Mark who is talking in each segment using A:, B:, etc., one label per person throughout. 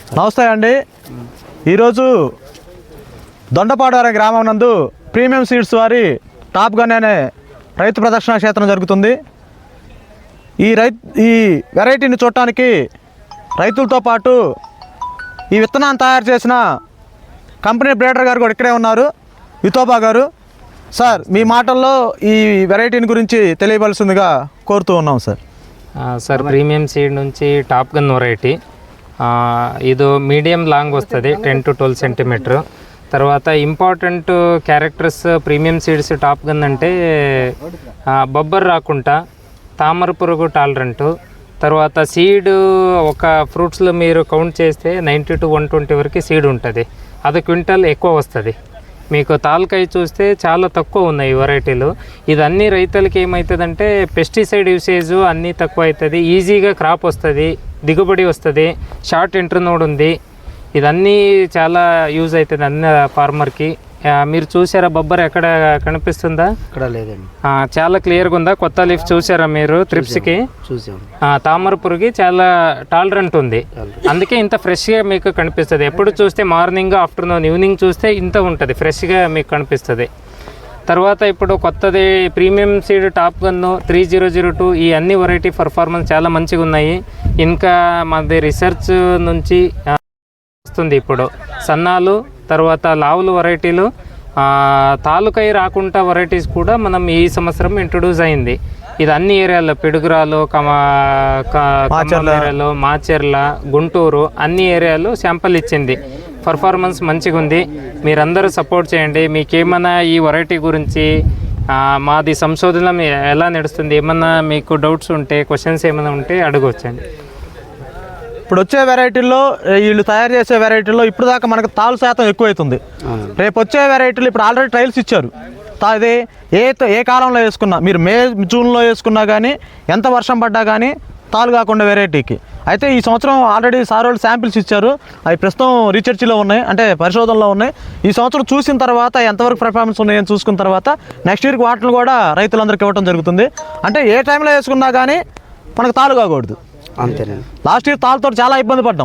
A: నమస్తే అండి. ఈరోజు దొండపాడు అనే గ్రామం నందు ప్రీమియం సీడ్స్ వారి టాప్ గన్ అనే రైతు ప్రదర్శన క్షేత్రం జరుగుతుంది. ఈ వెరైటీని చూడటానికి రైతులతో పాటు ఈ విత్తనాన్ని తయారు చేసిన కంపెనీ బ్రీడర్ గారు కూడా ఇక్కడే ఉన్నారు, వితోబా గారు. సార్, మీ మాటల్లో ఈ వెరైటీని గురించి తెలియవలసిందిగా కోరుతూ ఉన్నాం సార్.
B: సార్, ప్రీమియం సీడ్ నుంచి టాప్ గన్ వెరైటీ ఇది మీడియం లాంగ్ వస్తుంది, 10 to 12 సెంటీమీటర్. తర్వాత important characters premium seeds top gun అంటే బొబ్బర్ రాకుండా, తామర పురుగు టాలరెంటు, తర్వాత సీడ్ ఒక ఫ్రూట్స్లో మీరు కౌంట్ చేస్తే 90 to 120 వరకు సీడ్ ఉంటుంది. అది క్వింటల్ ఎక్కువ వస్తుంది. మీకు తాలకాయ చూస్తే చాలా తక్కువ ఉన్నాయి ఈ వెరైటీలు. ఇది అన్ని రైతులకి ఏమవుతుందంటే పెస్టిసైడ్ యూసేజ్ అన్నీ తక్కువ అవుతుంది, ఈజీగా క్రాప్ వస్తుంది, దిగుబడి వస్తుంది, షార్ట్ ఇంటర్నోడ్ ఉంది. ఇదన్నీ చాలా యూజ్ అవుతుంది అన్ని ఫార్మర్కి. మీరు చూసారా బొబ్బర్ ఎక్కడ కనిపిస్తుందా?
C: ఇక్కడ లేదండి.
B: చాలా క్లియర్గా ఉందా? కొత్త లీఫ్ చూసారా మీరు? త్రిప్స్కి తామర పురుగు చాలా టాలరెంట్ ఉంది, అందుకే ఇంత ఫ్రెష్గా మీకు కనిపిస్తుంది. ఎప్పుడు చూస్తే మార్నింగ్, ఆఫ్టర్నూన్, ఈవినింగ్ చూస్తే ఇంత ఉంటుంది, ఫ్రెష్గా మీకు కనిపిస్తుంది. తర్వాత ఇప్పుడు కొత్తది ప్రీమియం సీడ్ టాప్ గన్ 3002 ఈ అన్ని వెరైటీ పర్ఫార్మెన్స్ చాలా మంచిగా ఉన్నాయి. ఇంకా మాది రీసెర్చ్ నుంచి వస్తుంది ఇప్పుడు సన్నాలు, తర్వాత లావులు వెరైటీలు, తాలూకాయ రాకుండా వెరైటీస్ కూడా మనం ఈ సంవత్సరం ఇంట్రొడ్యూస్ అయింది. ఇది అన్ని ఏరియాలో పిడుగురాలు, ఏరియాలో, మాచెర్ల, గుంటూరు అన్ని ఏరియాలో శాంపుల్ ఇచ్చింది. పర్ఫార్మెన్స్ మంచిగా ఉంది. మీరందరూ సపోర్ట్ చేయండి. మీకేమైనా ఈ వెరైటీ గురించి మాది సంశోధన ఎలా నడుస్తుంది, ఏమన్నా మీకు డౌట్స్ ఉంటే, క్వశ్చన్స్ ఏమైనా ఉంటే అడగవచ్చండి.
A: ఇప్పుడు వచ్చే వెరైటీల్లో, వీళ్ళు తయారు చేసే వెరైటీల్లో ఇప్పుడు దాకా మనకు తాలు శాతం ఎక్కువైతుంది. రేపు వచ్చే వెరైటీలు ఇప్పుడు ఆల్రెడీ ట్రయల్స్ ఇచ్చారు. అది ఏ కాలంలో వేసుకున్నా, మీరు మే జూన్లో వేసుకున్నా కానీ, ఎంత వర్షం పడ్డా కానీ తాలు కాకుండా వెరైటీకి అయితే ఈ సంవత్సరం ఆల్రెడీ సార్ వాళ్ళు శాంపిల్స్ ఇచ్చారు. అవి ప్రస్తుతం రీసెర్చ్లో ఉన్నాయి, అంటే పరిశోధనలో ఉన్నాయి. ఈ సంవత్సరం చూసిన తర్వాత ఎంతవరకు పర్ఫార్మెన్స్ ఉన్నాయని చూసుకున్న తర్వాత నెక్స్ట్ ఇయర్కి వాటిని కూడా రైతులందరికీ ఇవ్వడం జరుగుతుంది. అంటే ఏ టైంలో వేసుకున్నా కానీ మనకు తాలు కాకూడదు.
C: అంతేనండి.
A: లాస్ట్ ఇయర్ తాళ్ళతో చాలా ఇబ్బంది పడ్డాం.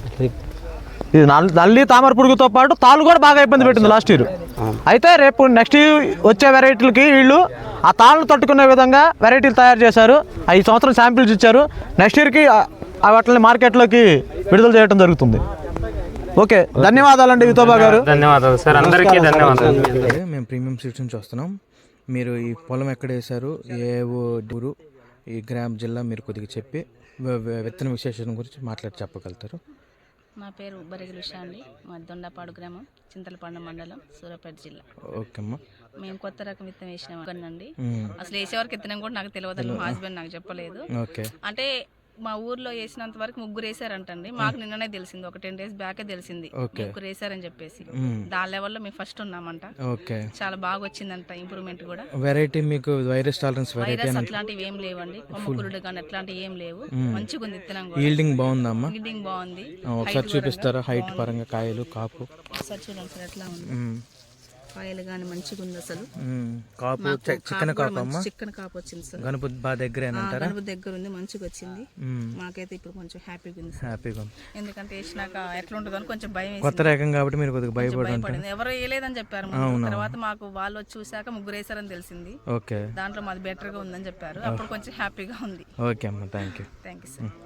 A: ఇది నల్లి, తామర పురుగుతో పాటు తాళ్ళు కూడా బాగా ఇబ్బంది పెట్టింది లాస్ట్ ఇయర్. అయితే రేపు నెక్స్ట్ ఇయర్ వచ్చే వెరైటీలకి వీళ్ళు ఆ తాళ్ళను తట్టుకునే విధంగా వెరైటీలు తయారు చేశారు. ఈ సంవత్సరం శాంపిల్స్ ఇచ్చారు. నెక్స్ట్ ఇయర్కి వాటిని మార్కెట్లోకి విడుదల చేయడం జరుగుతుంది. ఓకే, ధన్యవాదాలండి వితోబా గారు.
B: ధన్యవాదాలు సార్, అందరికీ ధన్యవాదాలు.
D: మేము ప్రీమియం సీడ్స్ నుంచి వస్తున్నాం. మీరు ఈ పొలం ఎక్కడ వేశారు, ఏ ఊరు, ఈ గ్రామ్ జిల్లా మీరు కొద్దిగా చెప్పి విత్తన విశేషం గురించి చెప్పగలుగుతారు?
E: నా పేరు బరిగిలి ఉషా అండి. మా దొండపాడు గ్రామం, చింతలపండు మండలం, సూర్యాపేట జిల్లా.
D: ఓకే అమ్మా.
E: మేము కొత్త రకం విత్తనం వేసినామండి. అసలు వేసేవరకు విత్తనం కూడా నాకు తెలియదు, మా హస్బెండ్ నాకు చెప్పలేదు. అంటే మా ఊర్లో వేసినంత వరకు 3 వేసారంటండి. మాకు నిన్ననే తెలిసింది, ఒక 10 days బ్యాకే తెలిసింది 3 వేసారని చెప్పేసి. దాని లెవెల్లో మేము ఫస్ట్ ఉన్నామంట. చాలా బాగా వచ్చిందంట ఇంప్రూవ్మెంట్ కూడా.
D: వెరైటీ మీకు వైరస్ టాలరెన్స్
E: అట్లాంటివి ఏం లేవండి, కొమ్మకురుడు కానీ అట్లాంటివి ఏం లేవు. మంచిగా ఉంది విత్తనం కూడా.
D: ఈల్డింగ్ బాగుందమ్మా?
E: ఈల్డింగ్ బాగుంది.
D: ఒకసారి చూపిస్తారా హైట్ పరంగా, కాయలు, కాపు?
E: ఒకసారి చూడండి సార్ ఎట్లా ఉంది. కాయలు కానీ మంచిగా ఉంది. అసలు
D: కాపు చికెన్ కాపు అమ్మా?
E: చికెన్ కాపు వచ్చింది సార్.
D: గణపతి బాగా దగ్గర
E: దగ్గర ఉంది, మంచిగా వచ్చింది. మాకైతే ఇప్పుడు కొంచెం హ్యాపీగా ఉంది. ఎందుకంటే వేసినాక ఎట్లా ఉంటుందో అని కొంచెం భయం,
D: కొత్త రకం కాబట్టి మీరు కొద్దిగా భయపడింది.
E: ఎవరు వేయలేదని చెప్పారు. తర్వాత మాకు వాళ్ళు వచ్చి చూసాక 3 వేసారని తెలిసింది. దాంట్లో మాది బెటర్ గా ఉందని చెప్పారు. అప్పుడు కొంచెం హ్యాపీగా ఉంది.
D: ఓకే అమ్మా, థ్యాంక్ యూ
E: సార్.